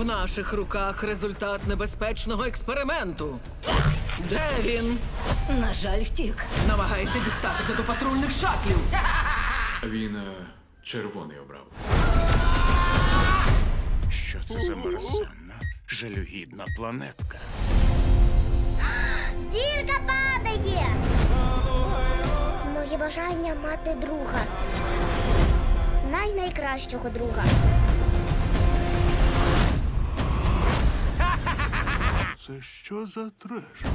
В наших руках результат небезпечного експерименту. Де він? На жаль, втік. Намагається дістатися до патрульних шатлів. Він червоний обрав. Що це за мерзенна, жалюгідна планетка? Зірка падає! Моє бажання мати друга. Найкращого друга. Це що за треш?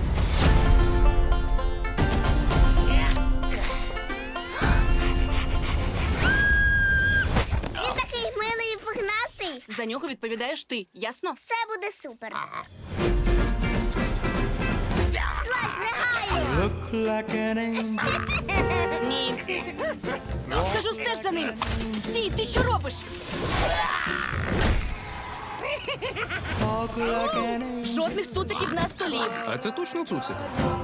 Він такий милий і пухнастий. За нього відповідаєш ти, ясно? Все буде супер. Злазь негайно! Ні. Кажу, стеж за ним. Стій, ти що робиш? Жодних цуциків на столі. А це точно цуцик?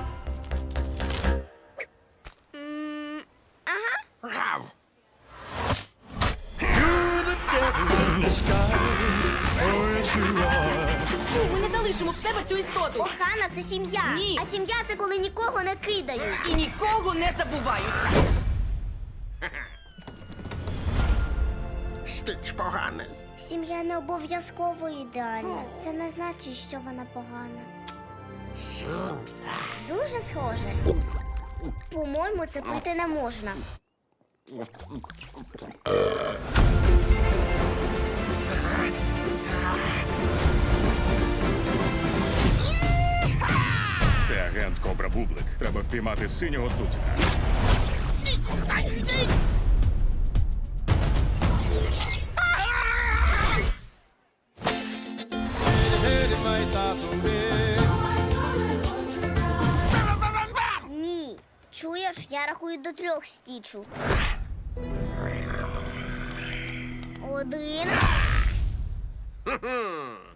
Фу, ми не залишимо в себе цю істоту. Охана – це сім'я. Ні. А сім'я – це коли нікого не кидають. І нікого не забувають. Стич поганий. Сім'я не обов'язково ідеальна. Це не значить, що вона погана. Сім'я. Дуже схоже. По-моєму, це пити не можна. Це агент Кобра Бублик. Треба впіймати синього цуцика. Ні. Чуєш, я рахую до 3 стічу. 1.